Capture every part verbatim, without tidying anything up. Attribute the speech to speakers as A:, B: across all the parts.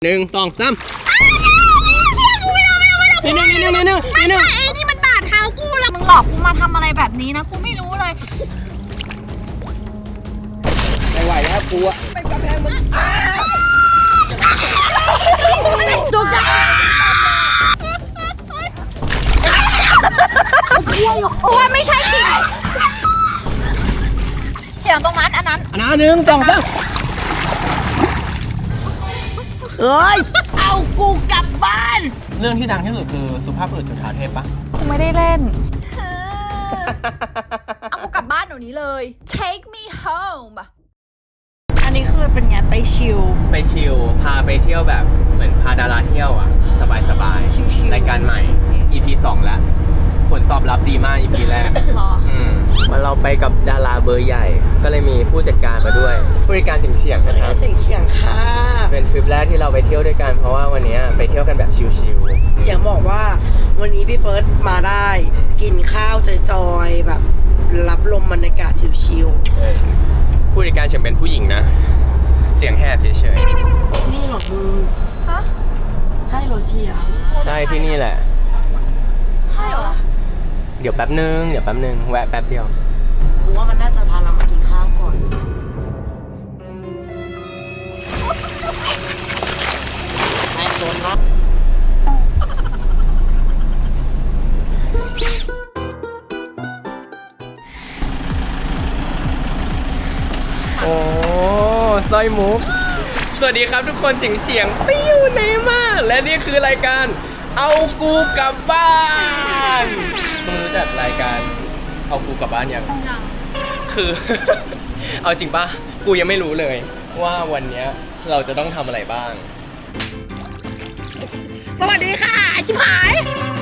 A: หนึ่งสองสามนี่นี่นี่นี่นี่นี่ไม่ใช่ไอ้นี่มันบาดเท้ากูแล้วมึงหลอกกูมาทำอะไรแบบนี้นะกูไม่รู้เลยไม่ไหวแล้วกูอะไปกำแพงมึงจุกจังโอ้ยไม่ใช่กิ่งเสียงตรงนั้นอันนั้นอันนั้นหนึ่งสองสามเฮ้ยเอากูกลับบ้านเรื่องที่ดังที่สุดคือสุภาพบุรุษจุฑาเทพปะ
B: กูไม่ได้เล่น
A: เอากูกลับบ้านเดี๋ยวนี้เลย take me home
B: อันนี้คือเป็นไงไปชิล
A: ไปชิลพาไปเที่ยวแบบเหมือนพาดาราเที่ยวอ่ะสบายสบายรายการใหม่ อี พี สองแล้วผลตอบรับดีมาก อี พี แรกอืมมาเราไปกับดาราเบอร์ใหญ่ก็เลยมีผู้จัดการมาด้วยผู้จัดการเฉียงเฉียงนะครับ
C: เฉียงเฉียงค่ะ
A: เป็นทริปแรกที่เราไปเที่ยวด้วยกันเพราะว่าวันนี้ไปเที่ยวกันแบบชิลๆ
C: เฉียงบอกว่าวันนี้พี่เฟิร์สมาได้กินข้าวจอยๆแบบรับลมบรรยากาศชิล
A: ๆผู้จัดการเฉียงเป็นผู้หญิงนะเสียงแหบเฉย
C: ๆนี่หรอมึงฮะใช่เหรอเฉียง
A: ใช่ที่นี่แหละ
B: ใช่เหรอ
A: เดี๋ยวแป๊บนึงเดี๋ยวแป๊บนึงแวะแป๊บเดียว
C: กูว่ามันน่าจะพาเรามากินข้าวก่อนไอ้คนเนาะ
A: โอ้สร้อยมุกสวัสดีครับทุกคนเฉียงเฉียงไปอยู่ไหนมาและนี่คือรายการเอากูกลับบ้านมึงรู้จักรายการเอากูกลับบ้านยังคือ เอาจริงป่ะกูยังไม่รู้เลยว่าวันนี้เราจะต้องทำอะไรบ้าง
C: สวัสดีค่ะชิบหาย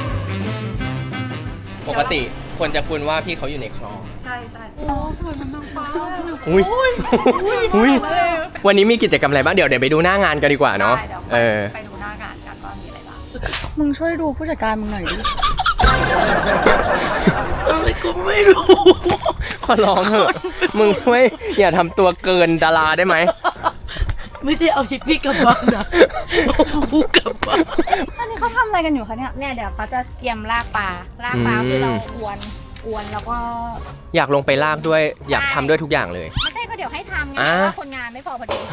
A: ปกติควรจะคุ้นว่าพี่เขาอยู่ในคลอง
B: ใช่ใช่โอ้สวยมันนางฟ้า
A: อุ้ยอุ้ยวันนี้มีกิจกรรมอะไรบ้างเดี๋ยวเดี๋ยวไปดูหน้างานกันดีกว่าเนาะเออ
B: ไปดูหน้างานกันว่ามีอะไรบ้างมึงช่วยดูผู้จัดการมึงหน่อยดิ
C: อะไรกูไม่รู้
A: ขอร้องเถอะมึงไม่อย่าทำตัวเกินดาราได้ไหม
C: ไม่ใช่เอาชิปปี้กลับบ้านนะกูกลับบ้าน
B: อันนี้เขาทำอะไรกันอยู่คะเนี่ยเนี่ยเดี๋ยวเขาจะเตรียมลากปลาลากปลาคือเราอวนอวนแล้วก็
A: อยากลงไปลากด้วยอยากทำด้วยทุกอย่างเลย
B: ไม่ใช่ก็เดี๋ยวให้ทำไงเพราะว่าคนงานไม่พอพอดี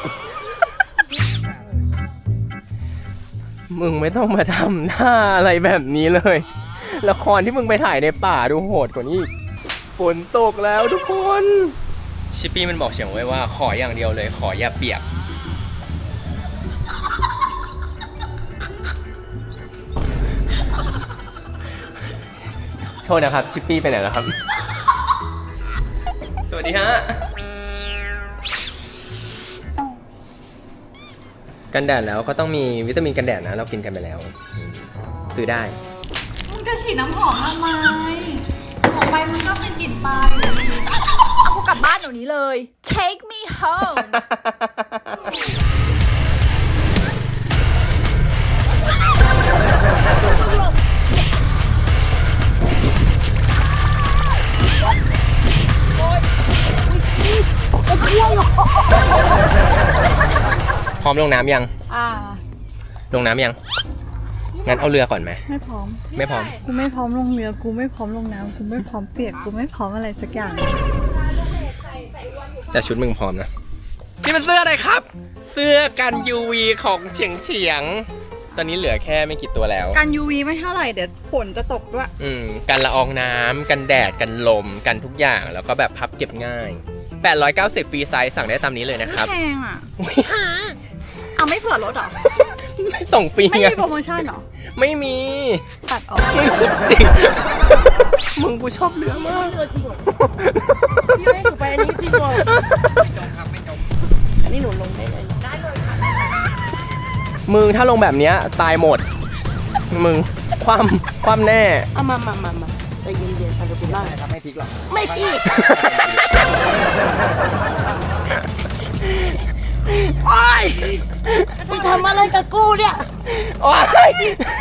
A: มึงไม่ต้องมาทำหน้าอะไรแบบนี้เลยละครที่มึงไปถ่ายในป่าดูโหดกว่านี้ฝนตกแล้วทุกคนชิปปี้มันบอกเฉียงไว้ว่าขออย่างเดียวเลยขออย่าเปียกโทษนะครับชิปปี้ไปไหนแล้วครับสวัสดีฮะกันแดดแล้วก็ต้องมีวิตามินกันแดดนะเรากินกันไปแล้วซื้อได้
B: มึงจะฉีดน้ำหอมทำไมออกไปมึงก็เป็นกลิ่นปลาย
A: เอากูกลับบ้านเดี๋ยวนี้เลย take me home พร้อมลงน้ำยังอ่าลงน้ำยังงั้นเอาเรือก่อนไหม
B: ไม่พร้อม
A: ไม่พร้อม
B: กูไม่พร้อมลงเรือกูไม่พร้อมลงน้ำกูไม่พร้อมเปียกกูไม่พร้อมอะไรสักอย่าง
A: แต่ชุดมึงพร้อมนะนี่มันเสื้ออะไรครับเสื้อกัน ยู วี ของเฉียงเฉียงตอนนี้เหลือแค่ไม่กี่ตัวแล้ว
B: กัน ยู วี ไม่เท่าไหร่เดี๋ยวฝนจะตกด้วย
A: อืมกันละอองน้ำกันแดดกันลมกันทุกอย่างแล้วก็แบบพับเก็บง่ายแปดร้อยเก้าสิบฟรีไซส์สั่งได้ตามนี้เลยนะครับ
B: แพงอ่ะเอาไม่เผื่อรถหรอ
A: ส่งฟรี
B: ไม่มีโปรโมชั่นหรอ
A: ไม่มี
B: ตัดออก
A: จริงมึงกูชอบเรือมาก
C: เรือจริงเหรอพี่ให้หนูไปอันนี้จริงเหรอไม่จมครับไม่จมอันนี้หนูลงได้เลย
B: ได้เลยค่ะ
A: มึงถ้าลงแบบนี้ตายหมดมึงความความแน่
C: เอามามามามาใจเย็นๆค่ะเดี๋ยวกูนั่ง
A: ทำไม่พลิกหรอก
C: ไม่พลิกโอ๊ยมึงทำอะไรกับกูเนี่ย
A: โอ๊ย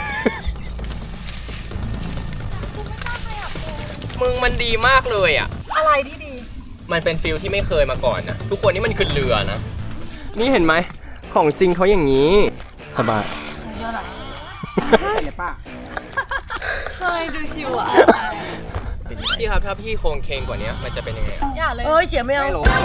A: มึงมันดีมากเลยอ่ะ
B: อะไรที่ดี
A: มันเป็นฟิลที่ไม่เคยมาก่อนนะทุกคนนี่มันคือเรือนะนี่เห็นไหมของจริงเขาอย่างนี้ สบาย
B: เคยดูชิวอ่ะ
A: พี่ครับถ้าพี่โครงเคงกว่านี้มันจะเป็นยังไง
B: อย่าเลย
C: เอ้ยเสียไม่เอา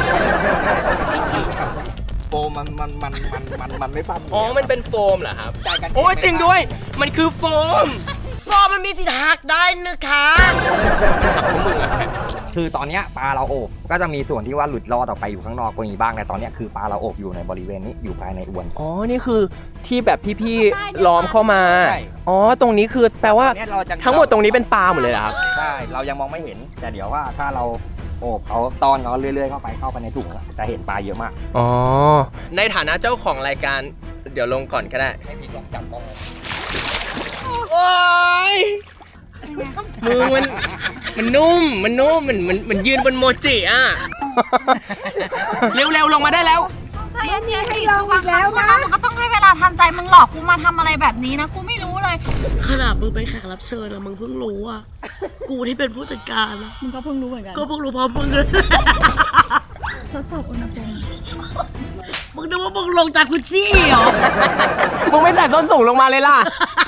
D: โฟมมันมันมันมันมันมันไม่ปั้ม
A: อ๋อ มันเป็นโฟมเหรอครับ โอ้ยจริงด้วย มันคือโฟม
C: ฟอร์มันมีสิทธิ์หักได้นะคะ
A: ขับของมึงอะ
D: คือตอนเนี้ยปลาเราโอบก็จะมีส่วนที่ว่าหลุดรอดออกไปอยู่ข้างนอกก็มีบ้างแต่ตอนเนี้ยคือปลาเราโอบอยู่ในบริเวณนี้อยู่ภายในอวน
A: อ๋อ นี่คือที่แบบพี่ๆล้อมเข้ามา
D: ใช่
A: อ๋อ ตรงนี้คือแปลว่า
D: เนี่ยเราจะ
A: ทั้งหมดตรงนี้เป็นปลาหมดเลยเหรอครับ
D: ใช่เรายังมองไม่เห็น แต่เดี๋ยวว่าถ้าเราโอบเขาตอนเขาเรื่อยๆเข้าไปเข้าไปในถุงอะจะเห็นปลาเยอะมาก
A: อ๋อ ในฐานะเจ้าของรายการ เดี๋ยวลงก่อนก็ได้
D: ให้ทีลองจับต้อง
A: โอ้ยมือมัน มันนุ่ม มันนุ่ม มันมันมันยืนบนโมจิอ่ะ เร็วๆ ลงมาได้แล้ว
B: ใจเย็นๆดิคือบางครั้งคนเรามันก็ต้องให้เวลาทำใจมึงหลอกกูมาทำอะไรแบบนี้นะกูไม่รู้เลย
C: ขนาดมึงเป็นแขกรับเชิญอะมึงเพิ่งรู้อะกูที่เป็นผู้จัดการอะ
B: มึงก็เพิ่งรู้เหมือนกัน
C: ก็เพิ่งรู้พร้อมมึงเลย
B: ทดสอบอุณหภูมิ
C: มึงนึกว่ามึงลงจากกุชชี่เหรอ
A: มึงไม่ใส่ส้นสูงลงมาเลยล่ะ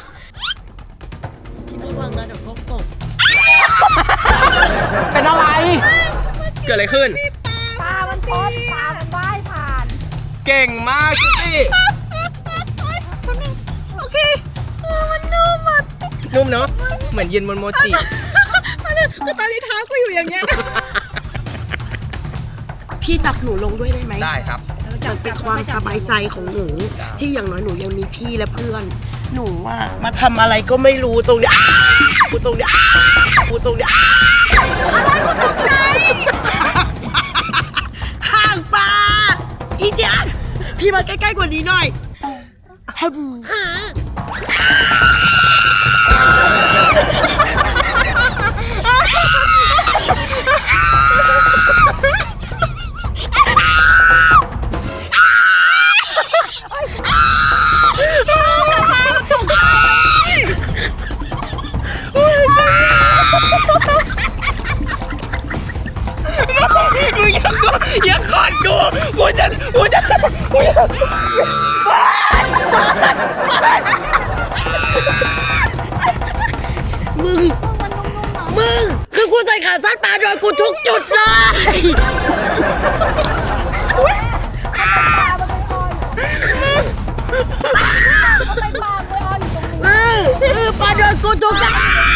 C: คิดว่าวังนะเดี๋ยวเขาตก
A: เป็นอะไร เกิดอะไรขึ้น
B: ปลามันตอนปลามันว่ายผ่าน
A: เก่งมากสิ
B: โอเคเออมันนุ่มอ่ะ
A: นุ่มเนาะ เหมือนยืนบนโมจิ
B: คือตอนนี้เท้ากูอยู่อย่างเงี้ย
C: พี่จับหนูลงด้วยได้ไหม
D: ได้ครับ
C: มันเป็นความสบายใจของหนู ที่อย่างน้อยหนูยังมีพี่และเพื่อน หนูว่ามาทำอะไรก็ไม่รู้ตรงเนี้ยอ้าวกูตรงเนี้ยอ้าวกูตรงเนี้ยอ้าวอะไรกูตกใจห่างปลาอีเจียนพี่มาใกล้ๆกว่านี้หน่อยฮับ
A: มึงอย่ากดอย่ากดกูกูจะกูจะกูจะ
C: มึง มึง คือกูใส่ขาสั้นปลาโดนกูทุกจุดเลยมึงคือปลาโดนกูทุกจุด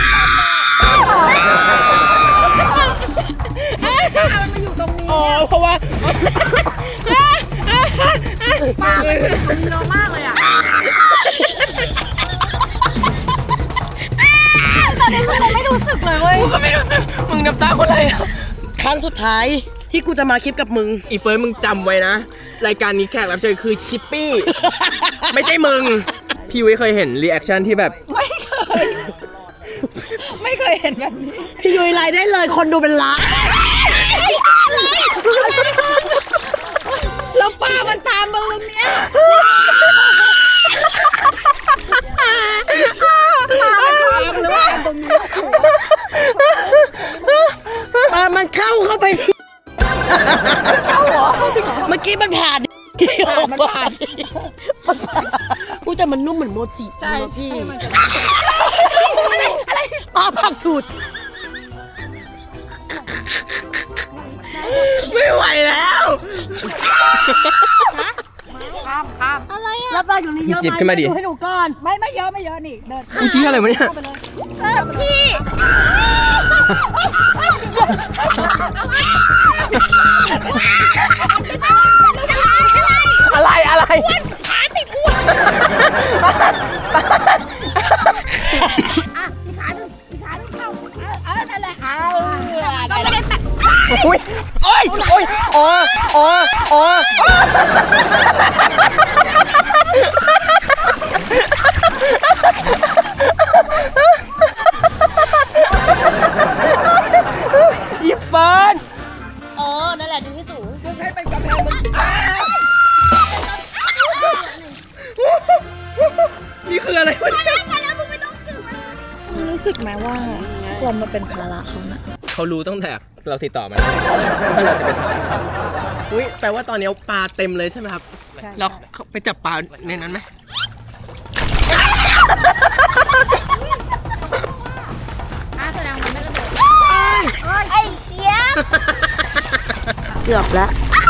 A: อ๋อเพราะว่า
B: ปลามันอยู่ตรงนี้เยอะมากเลยอ่ะตอนนี้กูยังไม่รู้สึกเลยเว้ย
A: กูก็ไม่รู้สึกมึงน้ำตาคนอะไรอ่ะ
C: ครั้งสุดท้ายที่กูจะมาคลิปกับมึง
A: อีเฟิร์นมึงจำไว้นะ รายการนี้แขกรับเชิญคือชิปปี้ ไม่ใช่มึง พี่วิเคยเห็นรีแอคชั่นที่แบบ
B: ไม่เคย ไม่เคยเห็นแบบนี้
C: พี่ยุ้ยไลน์ได้เลยคนดูเป็นล้าน
B: แล้วปลามันตามมึงเนี่ยปลามันตามหรือว่าตรงนี้
C: ปลามันเข้าเข้าไปที่
B: เข้าเหรอ
C: เมื่อกี้มันผ่าน
B: มันผ่าน
C: กูแต่มันนุ่มเหมือนโมจิ
B: ใช่พี่
C: อะไรปลาผักถูดไม่ไหวแล้ว
B: ข้ามข้ามอะไรอ่ะ
C: แล้วปลาอยู่นี่เยอะไห
A: หยิบขึ้นมาดิ
C: ดูให้ดูก่อน
B: ไม่ไม่เยอะไม่เยอะนี่เดิน
A: มึงชี้อะไรวะเนี่ย
B: เข้าไปเลยเออพี่
A: อะไรอะไร
B: ขาติดอ้วน อ่ะอีกขาหนึ่งอีกขาหนึ่งเข้าเออเออนั่นแหละเอาก็ไม่ได้แตะ
A: โอ้ยโอ้ยโอ้ยโอ้ยโอ้ยโอ้ยอีเฟิร์น
B: เออนั่นแหละดึงให้สูง
A: มึงให้เป็นกำแพงมึงนี่คืออะไรวะเนี่ย
B: มึงรู้สึกไหมว่าเรามาเป็นภาระเขานะ
A: เขารู้ตั้งแต่เราติดต่อมาแล้วว่าเราจะเป็นทหารครับอุ้ยแปลว่าตอนนี้ปลาเต็มเลยใช่ไหมครับ
D: ใน
B: ใช่
A: เราไปจับปลาในนั้นไหม
B: อ่ะแสดงมันไม่กระโดดไอ้เชี่ย
C: เกือบแล้ว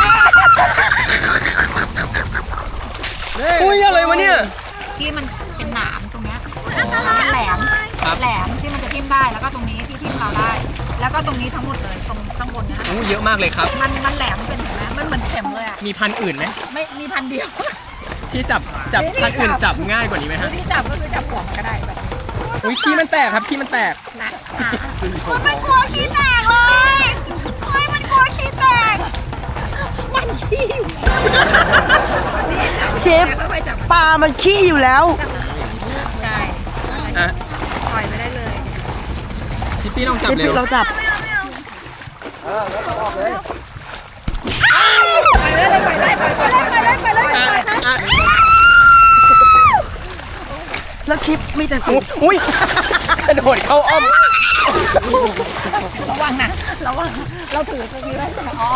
A: อุ้ยอะไรวะเนี่ย
B: ที่มันเป็นหนามตรงเนี้ยมันแหลม
A: ครับ
B: แหลมที่มันจะทิ่มได้แล้วก็ตรงนี้ที่ทิ่มเราได้ แล้วก็ตรงนี้ทั้งหมดเลยตรงข้างบนเนี้ย
A: อู้เยอะมากเลยครับ
B: มันมันแหลมเป็นเห็นไหมมันเหมือนเข็มเลยอ่ะ
A: มีพันธุ์อื่นไหม
B: ไม่มีพันเดียว
A: ที่จับจับ
B: ไม่ได้
A: พันธุ์อื่น
B: จับ
A: จับง่ายกว่านี้ไหม
B: คือ
A: ฮะ
B: ที่จับก็คือจับหัวมันก็ได้แบบ
A: อุ้ยขี้มันแตกครับขี้มันแตก
B: นะอ่ะ
C: มันกลัวขี้แตกเลยเฮ้ยมันกลัวขี้แตก
B: มันขี้อยู่นี่จับ
C: เชฟ
B: แล้วค่อยๆจับ
C: ปลามันขี้อยู่แล้ว
B: ใช่
A: อ่ะ
B: ปล่อยไปได้เลย
A: พี่ปี้ลองจับเร็ว
C: เราจับ
D: เออแล้วต้องออกเลย
B: ไปเลยไปเลยไปเลยไปเลยไปเลย
A: อ่ะอ่ะ
C: แล้วคลิปมีแต่สิ่ง
A: อุ้ยกระโดดเข้าอ้อม
B: ระวังนะระวังเราถือตรงนี้ไว้ใช่ไหมอ๋อ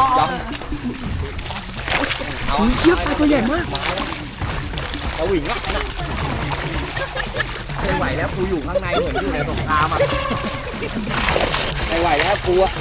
C: เชือกปลาตัวใหญ่มาก
D: เอาหวิงอ่ะไม่ไหวแล้วกูอยู่ข้างในเหมือนอยู่ในสงครามอ่ะไม่ไหวแล้วกูอ่ะ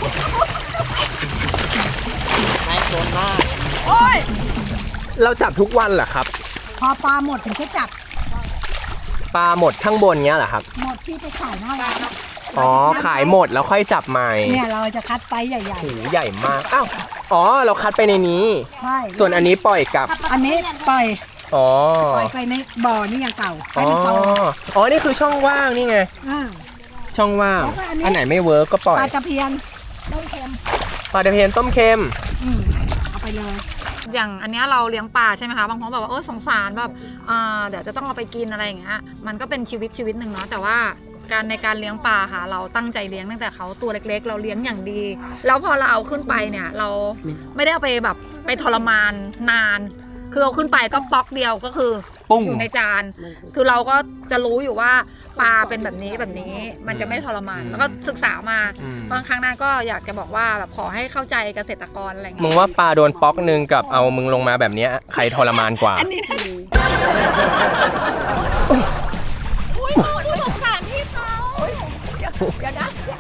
D: นายโดนมาก
A: เราจับทุกวันเหรอครับ
B: พอปลาหมดถึงจะจับ
A: ปลาหมดข้างบนเงี้ยเหรอครับ
B: หมดที่ไปขายหน้าร้าน
A: อ๋อขายหมดแล้วค่อยจับใหม่
B: เนี่ยเราจะคัดไซส์ใหญ่
A: โหใหญ่มากอ้าวอ๋อเราคัดไปในนี้
B: ๆใช่
A: ส่วนอันนี้ปล่อยกลับ
B: อันนี้ปล่อย
A: อ๋อ
B: ปล่อยไปในบ่อนี่ยังเก่า
A: อ๋
B: ให้
A: อ
B: มันโต
A: อ๋อนี่คือช่องว่างนี่ไง
B: อ่า
A: ช่องว่าง
B: แล้วก็อันนี้
A: อันไหนไม่เวิร์กก็ปล่อย
B: ปลาตะเพียนต้มเค็ม
A: ปลาตะเพียนต้มเค็ม
B: อืมเอาไปเลย อย่างอันเนี้ยเราเลี้ยงปลาใช่ไหมคะบางคนบอกว่าเออสงสารแบบอ่าเดี๋ยวจะต้องเอาไปกินอะไรอย่างเงี้ยมันก็เป็นชีวิตชีวิตหนึ่งเนาะแต่ว่าการในการเลี้ยงปลาค่ะ เราตั้งใจเลี้ยงตั้งแต่เขาตัวเล็กๆ เราเลี้ยงอย่างดี แล้วพอเราเอาขึ้นไปเนี่ยเราไม่ได้เอาไปแบบไปทรมานนาน คือเอาขึ้นไปก็ป๊อกเดียวก็คือ
A: ปุ้ง
B: อยู่ในจาน คือเราก็จะรู้อยู่ว่าปลาเป็นแบบนี้แบบนี้มันจะไม่ทรมาน แล้วก็ศึกษามา
A: อืม
B: บางครั้งหน้าก็อยากจะบอกว่าแบบขอให้เข้าใจเกษตรกรอะไรอย่าง
A: มึ
B: เงี้ย
A: งว่าปลาโดนป๊อกหนึ่งกับเอามึงลงมาแบบเนี้ยใครทรมานกว่า
B: อันนี้อุ้ยดูสงสารพี่เขาเดี๋ยวนะ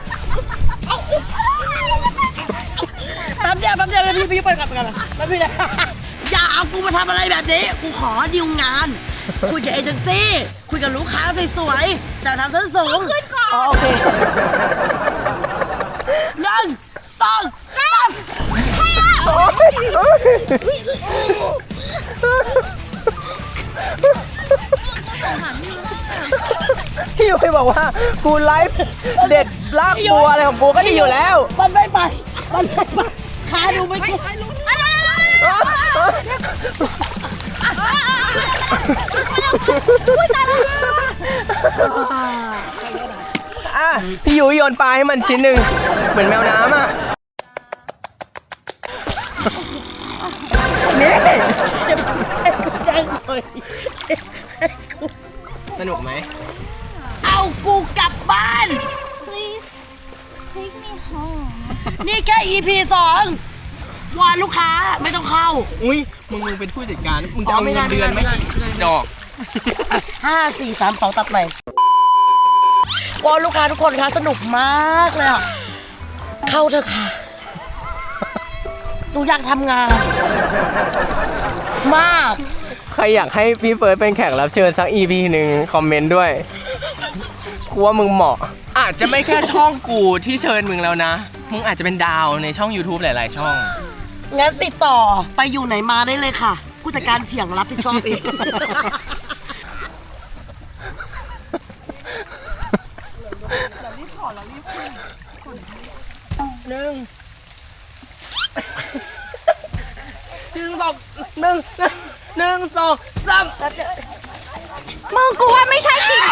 C: แป๊บเดียวแป๊บเดียวเลยพี่พี่เปิดกลับกันแป๊บเดียวอย่าเอากูมาทำอะไรแบบนี้ กูขอดีลงาน คุยกับเอเจนซี่ คุยกับลูกค้าสวยๆแต่ทำส้นสูงขึ้นก่อนอ๋อโอเคหนึ่งสองสาม
A: พี่ยุ้ยบอกว่ากูไลฟ์เด็ดลากบัวอะไรของกูก็ดีอยู่แล้ว
C: มันไม่ไป มันไม่ไปขาดูไม่ขึ้น
A: อ่ะพี่ยุ้ยโยนปลาให้มันชิ้นหนึ่งเหมือนแมวน้ำอ่ะนี่
C: ยังหน่อย
A: สนุกไหม
C: เอากูกลับบ้าน
B: please take me home
C: นี่แค่ อี พี สอง วอนลูกค้าไม่ต้องเข้า
A: อุ้ยมึงมึงเป็นผู้จัดการมึงจะเอา
C: อ๋อไม่
A: เงิ
C: ได้
A: นเดือนไหม
C: ไม่ได้ไม่ได้
A: ดอก
C: ห้า สี่ สาม สอง ตัดใหม่วอนลูกค้าทุกคนคะสนุกมากเลยอ่ะ เข้าเถอะค่ะ หนูอยากทำงาน มาก
A: ใครอยากให้พี่เฟิร์สเป็นแขกรับเชิญสัก อี พี หนึ่งคอมเมนต์ด้วยกูว่ามึงเหมาะ อาจจะไม่แค่ช่องกูที่เชิญมึงแล้วนะ มึงอาจจะเป็นดาวในช่อง YouTube หลาย ๆ ช่อง
C: งั้นติดต่อไปอยู่ไหนมาได้เลยค่ะ ผู้จัดการเฉียงรับผิดชอบเอง
A: หนึ่งหนึ่งสองหนึ่งหนึ่งสองสาม
B: มึงกูว่าไม่ใช่จริง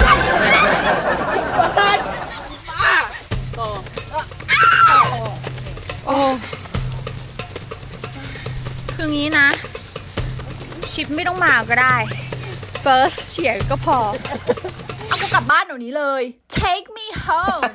B: คืองี้นะ ชิปไม่ต้องมาก็ได้ first เฉียงก็พอ เอากูกลับบ้านเดี๋ยวนี้เลย take me home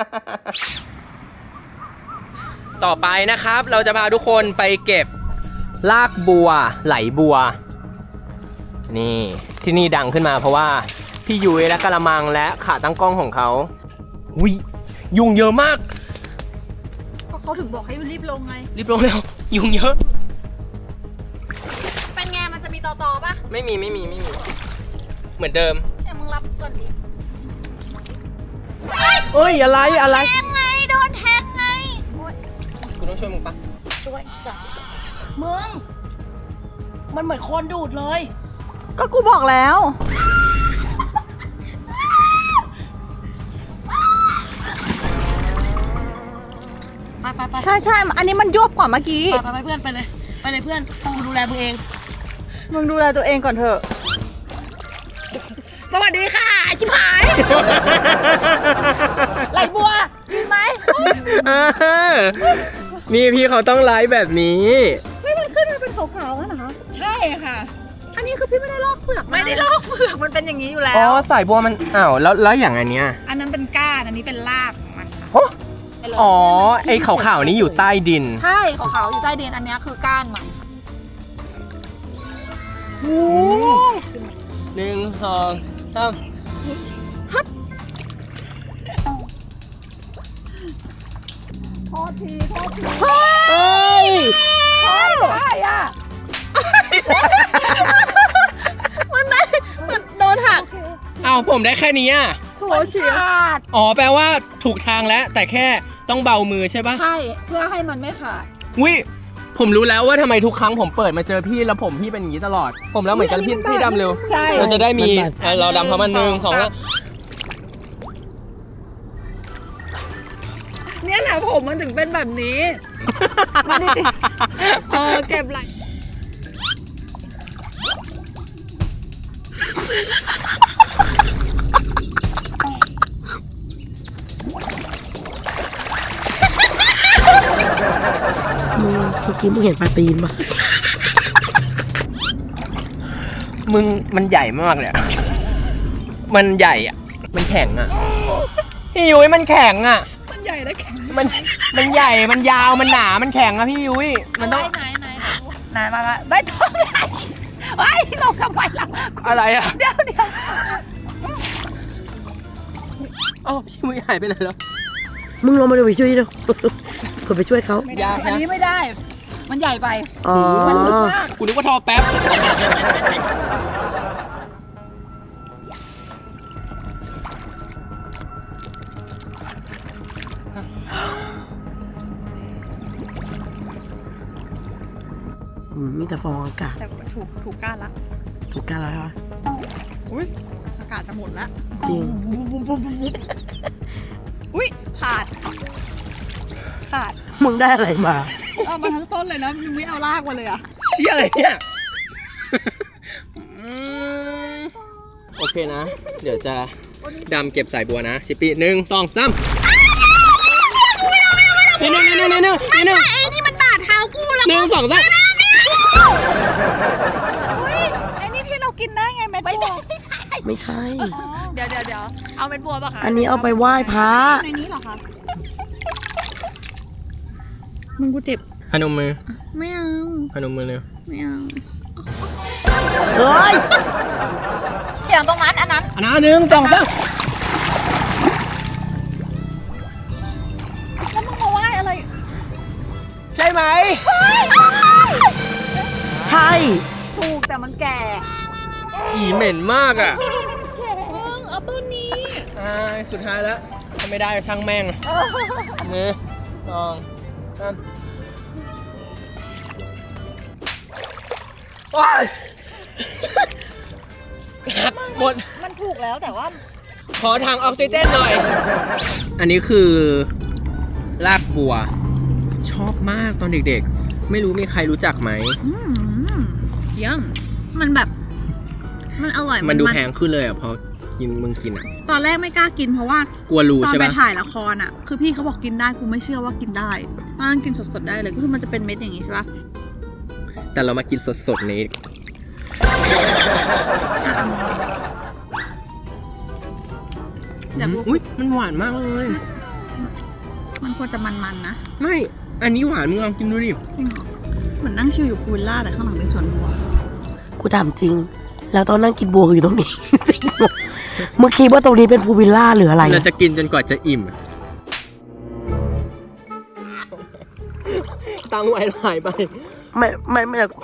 A: ต่อไปนะครับเราจะพาทุกคนไปเก็บลากบัวไหลบัว นี่ที่นี่ดังขึ้นมาเพราะว่าพี่ยุ้ยและกระมังและขาตั้งกล้องของเขาอุ้ยยุงเยอะมาก
B: ก็เขาถึงบอกให้รีบลงไง
A: รีบลงเร็วยุงเยอะ
B: เป็นไงมันจะมีต่อต่อปะ
A: ไม่มีไม่มีไม่มี เหมือนเดิม
B: เดี๋ยวมึงรับก่อนดิ
A: เอ้ยอะไรอะไร
B: แทงไงโดนแทงไง
A: กูต้องช่วยมึงปะ
B: ช่วยสัตว์
C: มึง มันเหมือนคนดูดเลย
B: ก็กูบอกแล้ว
C: ไปไปไป
B: ใช่ใช่อันนี้มันยวบกว่าเมื่อกี้
C: ไปไปเพื่อนไปเลย ไปเลยเพื่อนกูดูแลมึงเอง
B: มึงดูแลตัวเองก่อนเถอะ
C: สวัสดีค่ะชิบหาย
B: ไหลบัวกินไหม
A: นี่พี่เขาต้องไลฟ์แบบนี้
B: ไม่มันขึ้นมาเป็นขาวๆนะ
C: ใช่ค่ะ
B: อันนี้คือพี่ไม่ได้ลอกเปลือกไม่ได้ลอกเปลือกมันเป็นอย่างนี้อยู่แล้
A: อ๋อ
B: ว
A: สายบัวมันอ้าวแล้วแล้วอย่างอันเนี้ย
B: อันนั้นเป็นก้านอันนี้เป็นรากของมันค่ะ
A: ฮะอ๋อไอ้ขาวๆนี้อยู่ใต้ดิน
B: ใช่ขาวๆอยู่ใต้ดินอันนี้คือก้านมัน
A: หนึ่งสองสาม
C: เฮ้ย
B: ใช่ใช่อะมันได้มันโดนหัก
A: อ้าวผมได้แค่นี้อ่ะ
B: โถเฉียด
A: อ๋อแปลว่าถูกทางแล้ว แต่แค่ต้องเบามือใช่ปะ
B: ใช่เพื่อให้มันไม่ขาด
A: วิผมรู้แล้วว่าทำไมทุกครั้งผมเปิดมาเจอพี่แล้วผมพี่เป็นอย่างนี้ตลอด ผมแล้วเหมือนกันพี่พี่ดำเร็ว
B: ใช่
A: เราจะได้มีเอ่อเราดำเพราะมันหนึ่งสองแล้ว
B: เนี่ยแหละผมมันถึงเป็นแบบนี้ มาดิเออเก็บไหล
C: มึงเมื่อกี้มึงเห็นปลาตีนปะ
A: มึงมันใหญ่มากเลยอะมันใหญ่อ่ะ มันแข็งอ่ะพี่ยุ้ยมันแข็งอ่ะ
B: มันใหญ่และแข็ง
A: มันมันใหญ่มันยาวมันหนามันแข็งอะพี่ยุ้ยมันต้อง
B: ไหนไหนไหนมาไม่ต้องไหนไอ้เราทำไมล่ะ
A: อะไรอ่ะ
B: เดี๋ยวเดี๋ยว
A: เอ้าพี่ยุ้ยหายไปไหนแล้ว
C: มึงลงมาดูไปช่วยดิคนไปช่วยเขา
A: ยาก
B: อัน
A: นะ
B: นี้ไม่ได้ มันใหญ่ไป
C: อ๋อ
B: มันลึกมาก
A: กูนึกว่าทอแป๊บ
C: อืมมีแต่ฟองอากาศ
B: แต่ถูกถูกก้านละ
C: ถูกกันแล้วใช่ปะ
B: อุ้ยอากาศจะหมดละ
C: จริง
B: อุ้ยขาด ขาด
C: มึงได้อะไรมา
B: เอามาทั้งต้นเลยนะยังไม่เอารากมาเลยอะ
A: เชี่ยอะไรเนี่ยอืมโอเคนะ เดี๋ยวจะดำเก็บสายบัวนะ ชิปปี้หนึ่งสองสามนี่หนึ่งนี่หนึ่งนี่หนึ่งนี่หนึ่ง
B: ไอ้นี่มันบาดเท้ากูแล้ว
A: หนึ่งสองสาม
B: อุ้ยไอ้นี่ที่เรากินได้ไงเม็ดบัว
C: ไม่ใช่
B: เดี๋ยวเดี๋ยวเดี๋ยวเอาเม็ดบัวป่ะคะ
C: อันนี้เอาไปไหว้พระ
B: ในนี้เหรอคะมึงกูเจ็บ
A: พนมมือ
B: ไม่เอา
A: พนมมือเร็ว
B: ไม่เอา
C: เฮ้ย
B: เสียงตรงนั้นอันนั้น
A: อันนั้นหนึ่งสองสาม
B: แล้วมึงมาไหว้อะไร
A: ใช่ไหม
C: ใช่
B: ถูกแต่มันแก่
A: อีเหม็นมากอ่ะ
B: มึงเอาต้นนี้
A: อ่าสุดท้ายแล้วถ้าไม่ได้ก็ช่างแม่งหนึ่งสองสามโอ๊ยหักหมด
B: มันถูกแล้วแต่ว่า
A: ขอทางออกซิเจนหน่อย อันนี้คือรากบัว ชอบมากตอนเด็กๆ ไม่รู้มีใครรู้จักไหม
B: อืมเยี่ยมมันแบบ มันอร่อย
A: มันดูแพงขึ้นเลยอ่ะพอกินมึงกินอ่ะ
B: ตอนแรกไม่กล้ากินเพราะว่าก
A: ลัวรู
B: ตอน
A: ใช่
B: ไป
A: ปะ
B: ถ่ายละครอ่ะ คือพี่เขาบอกกินได้กูไม่เชื่อว่ากินได้ตอนนั้นกินสดๆได้เลยก็คือมันจะเป็นเม็ดอย่างงี้ใช่ปะ
A: แต่เรามากินสดๆนี้
B: เดี๋ยวกู
A: อุ้ยมันหวานมากเลย
B: มันควรจะมันๆนะ
A: ไม่ อันนี้หวานมึงลองกินดูดิ
B: จริงเหรอมือนนั่งชิลอยู่พูลล่าแต่ข้างหลังเป็นสวนบัว
C: กูถามจริง แล้วตอนนั่งกินบัวอยู่ตรงนี้ จริงเมื่อคิดว่าตรงนี้เป็นพูลวิลล่าหรืออะไร
A: เราจะกินจนกว่าจะอิ่ม ตั้งไว้หายไป
C: ไม่ไม่ไม่อยาก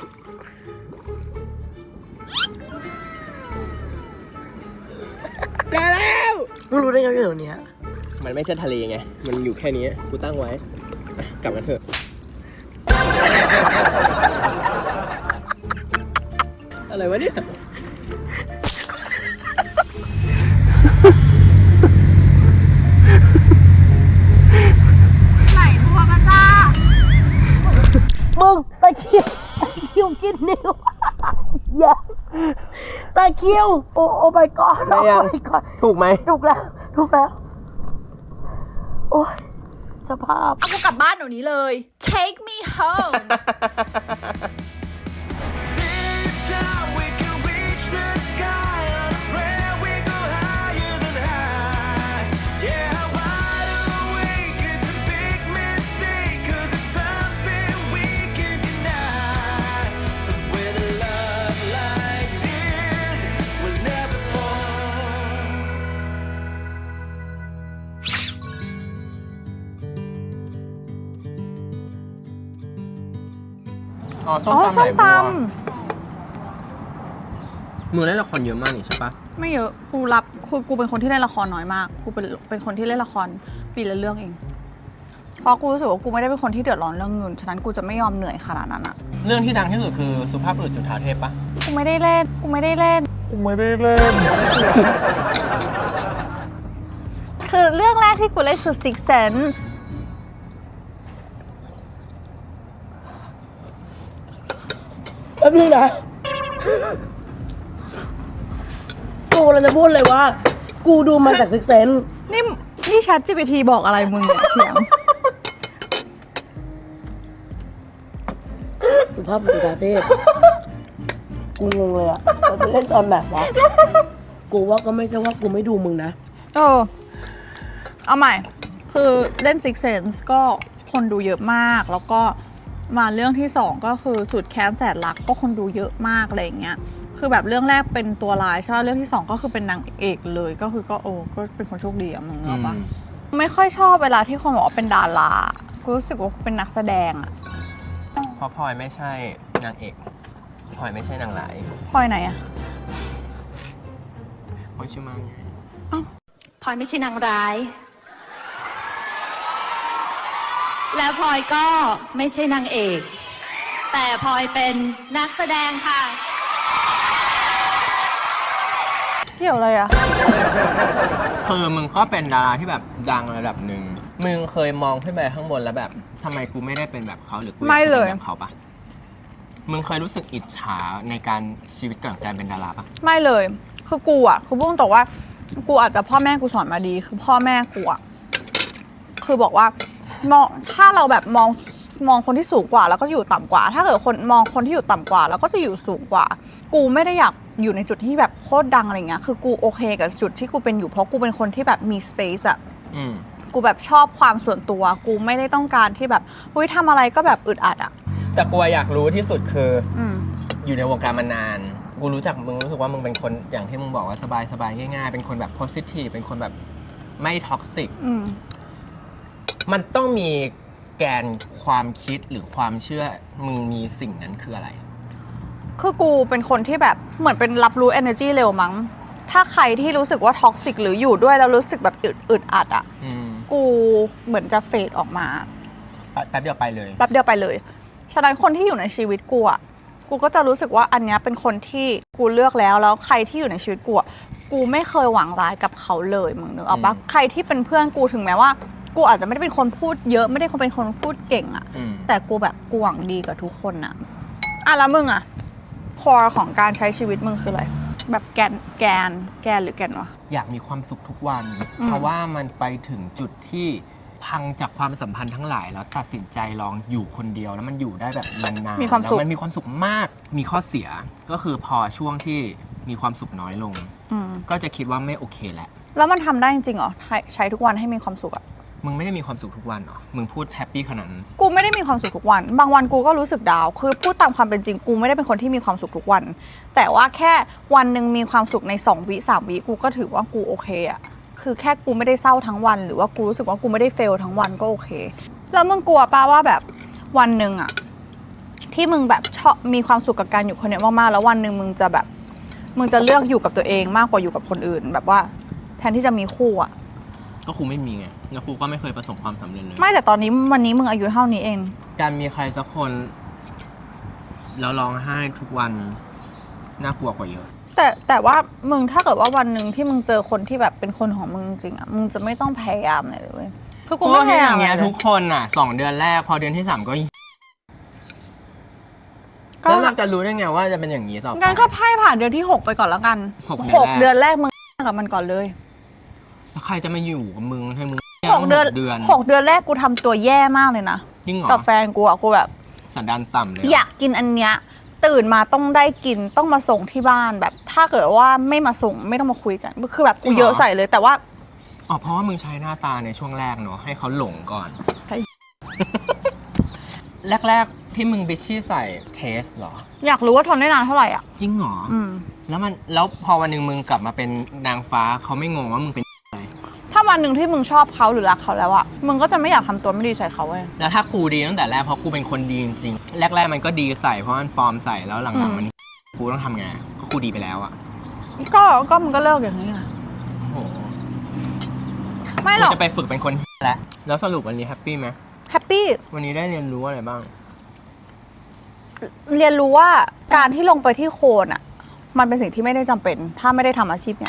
A: เจอแล้ว
C: มึงรู้ได้ไงว่าอยู่ตรงเนี้ย
A: มันไม่ใช่ทะเลไง มันอยู่แค่นี้ กูตั้งไว้อ่ะกลับมาเถอะ อะไรวะเนี่ย
B: ไหลบัวมาจ้า
C: มึงตะเคียวตะเคียวกินนิ้ว อย่าตะเคียวโอ้โอ้ my god
A: ได้ยัง
C: โอ้ my god
A: ถูกไหม
C: ถูกแล้วถูกแล้ว โอ้ยสภาพ
B: เอากูกลับบ้านเดี๋ยวนี้เลย take me home
E: This time we can reach the sky on a prayer we go higher than high. Yeah, wide awake, it's a big mistake, 'cause it's something we can deny. But with a love like this, we'll never fall.
A: อ๋อส้ม
B: อ๋อ
A: ตำไห
B: ส้
A: ล
B: ม
A: บั
B: ต
A: วมือเล่นละครเยอะมากนี่ใช่ปะ
B: ำไม่เยอะกูรับคือกูเป็นคนที่เล่นละครน้อยมากกูเป็นเป็นคนที่เล่นละครปีละเรื่องเอง เพราะกูรู้สึกว่ากูไม่ได้เป็นคนที่เดือดร้อนเรื่องเงินฉะนั้นกูจะไม่ยอมเหนื่อยขนาดนั้นอะ
A: เรื่องที่ดังที่สุดคือสุภาพบุรุษจุฑาเทพปะ
B: กูไม่ได้เล่นกูไม่ได้เล่น
A: กูไม่ได้เล่น
B: คือเรื่องแรกที่กูเล่นคือ Six Sense
C: แป๊บนึงนะ กูเราจะพูดเลยว่า กูดูมาจากซิกเซน
B: นี่นี่ Chat จี พี ที บอกอะไรมึงเนี่ยเฉียง
C: สุภาพบุรุษประเทศ กูงงเลยอะเราไปเล่นตอนไหนวะ กูว่าก็ไม่ใช่ว่ากูไม่ดูมึงนะ
B: เออเอาใหม่ คือเล่น Six Sense ก็คนดูเยอะมาก แล้วก็มาเรื่องที่สองก็คือสุดแค้นแสนรักก็คนดูเยอะมากอะไรอย่างเงี้ย คือแบบเรื่องแรกเป็นตัวร้ายใช่ไหมเรื่องที่สองก็คือเป็นนางเอกเลย ก็คือก็โอ้ก็เป็นคนโชคดีอะมึงเอาปะไม่ค่อยชอบเวลาที่คนบอกว่าเป็นดารากูรู้สึกว่าเป็นนักแสดงอะ
A: เพราะพลอยไม่ใช่นางเอกพลอยไม่ใช่นางร้าย
B: พลอยไหนอะ
A: พลอยชื่อมังไง
F: พลอยไม่ใช่นางร้าย และพลอยก็ไม่ใช่นางเอก แต่พลอยเป็นนักแสดงค่ะ
B: เกี่ยวอะไรอะ
A: คือมึงก็เป็นดาราที่แบบดังระดับหนึ่งมึงเคยมองขึ้นไปข้างบนแล้วแบบทำไมกูไม่ได้เป็นแบบเขาหรือกูอยาก
B: ไม่
A: จะ
B: เล
A: เป็น
B: ย
A: แบบเขาปะมึงเคยรู้สึกอิจฉาในการชีวิตก่อนการเป็นดาราปะ
B: ไม่เลย คือกูอ่ะ คือพูดตรงๆว่า กูอาจจะพ่อแม่กูสอนมาดี คือพ่อแม่กูอ่ะ คือบอกว่ามองถ้าเราแบบมองมองคนที่สูงกว่าแล้วก็อยู่ต่ำกว่า ถ้าเกิดคนมองคนที่อยู่ต่ำกว่าแล้วก็จะอยู่สูงกว่า กูไม่ได้อยากอยู่ในจุดที่แบบโคตรดังอะไรเงี้ย คือกูโอเคกับจุดที่กูเป็นอยู่เพราะกูเป็นคนที่แบบมี space อ่ะ
A: อืม
B: กูแบบชอบความส่วนตัว กูไม่ได้ต้องการที่แบบเฮ้ยทำอะไรก็แบบอึดอัดอ่ะ
A: แต่กูอยากรู้ที่สุดคือ
B: อืม
A: อยู่ในวงการมานาน กูรู้จักมึงรู้สึกว่ามึงเป็นคนอย่างที่มึงบอกว่าสบายสบายง่ายๆ เป็นคนแบบ positive เป็นคนแบบไม่ท็อกซิก
B: อืม
A: มันต้องมีแกนความคิดหรือความเชื่อมึงมีสิ่งนั้นคืออะไร
B: คือกูเป็นคนที่แบบเหมือนเป็นรับรู้ energy เร็วมั้ง ถ้าใครที่รู้สึกว่าท็อกซิกหรืออยู่ด้วยแล้วรู้สึกแบบอึดอึดอัดอ่ะ
A: อืม
B: กูเหมือนจะเฟดออกมา
A: แป๊บเดียวไปเลย
B: แป๊บเดียวไปเลย ฉะนั้นคนที่อยู่ในชีวิตกูอ่ะ กูก็จะรู้สึกว่าอันเนี้ยเป็นคนที่กูเลือกแล้วแล้วใครที่อยู่ในชีวิตกูอ่ะ กูไม่เคยหวังร้ายกับเขาเลยมึงนึกออกปะ
A: อืม
B: ใครที่เป็นเพื่อนกูถึงแม้ว่า กูอาจจะไม่ได้เป็นคนพูดเยอะไม่ได้เป็นคนพูดเก่งอ่ะ
A: อืม
B: แต่กูแบบกูหวังดีกับทุกคนนะอ่ะแล้วมึงอ่ะคอของการใช้ชีวิตมึงคืออะไร แบบแกนแกนแกนหรือแกนวะ
A: อยากมีความสุขทุกวัน
B: อืม
A: เพราะว่ามันไปถึงจุดที่พังจากความสัมพันธ์ทั้งหลาย แล้วตัดสินใจลองอยู่คนเดียวแล้วมันอยู่ได้แบบนานๆ
B: มีความสุข
A: แล้วมันมีความสุขมาก มีข้อเสียก็คือพอช่วงที่มีความสุขน้อยลง
B: อืม
A: ก็จะคิดว่าไม่โอเคแล้ว
B: แล้วมันทำได้จริงๆเหรอใช้ใช้ทุกวันให้มีความสุขอ่ะ
A: มึงไม่ได้มีความสุขทุกวันเหรอ มึงพูดแฮปปี้ขนาดนั้น
B: กูไม่ได้มีความสุขทุกวัน บางวันกูก็รู้สึกดาวน์คือพูดตามความเป็นจริงกูไม่ได้เป็นคนที่มีความสุขทุกวัน แต่ว่าแค่วันหนึ่งมีความสุขในสองวิสามวิกูก็ถือว่ากูโอเคอะคือแค่กูไม่ได้เศร้าทั้งวัน หรือว่ากูรู้สึกว่ากูไม่ได้เฟลทั้งวันก็โอเค แล้วมึงกลัวป่ะว่าแบบวันหนึ่งอะที่มึงแบบชอบมีความสุขกับการอยู่คนเดียวมากๆแล้ววันหนึ่งมึงจะแบบมึงจะเลือกอยู่กับตัวเองมากกว่าอยู่กับคนอื่น แบบว่าแทนที่จะมีคู่อะ
A: ก็ครูไม่มีไง แล้วครูก็ไม่เคยประสบความสำเร็จเลย
B: ไม่แต่ตอนนี้วันนี้มึงอายุเท่านี้เอง
A: การมีใครสักคน แล้วร้องไห้ทุกวัน น่ากลัวกว่าเยอะ
B: แต่แต่ว่ามึงถ้าเกิดว่าวันหนึ่งที่มึงเจอคนที่แบบเป็นคนของมึงจริงๆอ่ะมึงจะไม่ต้องพยายามอะไรเลยเว้ยคือกูไม่พยายาม
A: อย่างเงี้ย
B: อะไร
A: ทุกคนอ่ะสองเดือนแรกพอเดือนที่สามก็
B: ก็
A: แล้วเราจะรู้ได้ไงว่าจะเป็นอย่างนี้ต่อไป
B: งั้นก็ไพ่ผ่านเดือนที่หกไปก่อนแล้วกัน
A: หก
B: หก
A: เดื
B: เดื
A: อ
B: อน น
A: แร
B: แร
A: ก
B: กมึงกับมันก่อนเลย
A: แล้วใครจะมาอยู่กับมึงให้มึง
B: หกเดือน
A: เดือน
B: หกเดือนแรกกูทำตัวแย่มากเลยนะ
A: จริงเหรอ
B: กับแฟนกูอ่ะกูแบบ
A: สันดานต่ำเลย
B: อยากกินอันเนี้ยตื่นมาต้องได้กินต้องมาส่งที่บ้านแบบ ถ้าเกิดว่าไม่มาส่งไม่ต้องมาคุยกันคือแบบกูเยอะใส่เลย แต่ว่า
A: อ๋อเพราะว่ามึงใช้หน้าตาในช่วงแรกเนอะให้เขาหลงก่อน
B: ใช่
A: แรกๆที่มึงบิชชี่ใส่เทสเหรอ
B: อยากรู้ว่าทนได้นานเท่าไหร่อ่ะ
A: จริงเหรอ
B: อืม
A: แล้วมันแล้วพอวันหนึ่งมึงกลับมาเป็นนางฟ้าเขาไม่งงว่ามึงเป็นอะไร
B: ถ้าวันหนึ่งที่มึงชอบเขาหรือรักเขาแล้วอะมึงก็จะไม่อยากทำตัวไม่ดีใส่เขาเว้ย
A: แล้วถ้ากูดีตั้งแต่แรกเพราะกูเป็นคนดีจริงๆแรกๆมันก็ดีใส่เพราะมันปลอมใส่แล้วหลัง
B: อืม
A: ๆมันกูต้องทำไงก็กูดีไปแล้วอะ
B: ก็ก็มึงก็เลิกอย่างนี้ไง
A: โอ้โห
B: ไม่หร
A: กู
B: อก
A: จะไปฝึกเป็นคนแล้วแล้วสรุปวันนี้แฮปปี้ไหม
B: แฮปปี้
A: วันนี้ได้เรียนรู้อะไรบ้าง
B: เรียนรู้ว่าการที่ลงไปที่โคลนอะมันเป็นสิ่งที่ไม่ได้จำเป็น ถ้าไม่ได้ทำอาชีพเนี่ย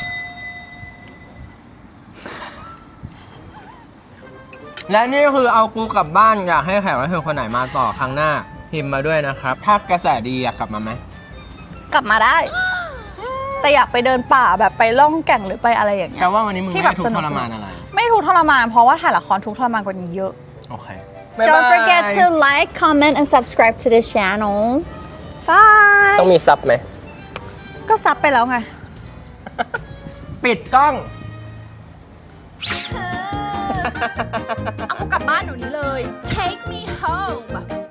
A: และนี่คือเอากูกลับบ้านอยากให้แขกรับเชิญคนไหนมาต่อครั้งหน้าพิมพ์มาด้วยนะครับ ถ้ากระแสดีอยากกลับมาไหม
B: กลับมาได้ แต่อยากไปเดินป่าแบบไปล่องแก่งหรือไปอะไรอย่างเงี้
A: แปล
B: ย
A: ว่าวันนี้มึง
B: ที่
A: ไม่
B: แบบ
A: ได้ทุก
B: สนุ
A: ข์
B: ก
A: ทรมานอะไร
B: ไม่ทุกข์ทรมานเพราะว่าถ่ายละครทุกข์ทรมานกว่านี้เยอะ
A: โอเค
B: Don't forget to like comment and subscribe to this channel Bye
A: ต้องมีซับไหม
B: ก็ซับไปแล้วไง
A: ปิดกล้อง
B: เอากูกลับบ้านหนูนี้เลย Take me home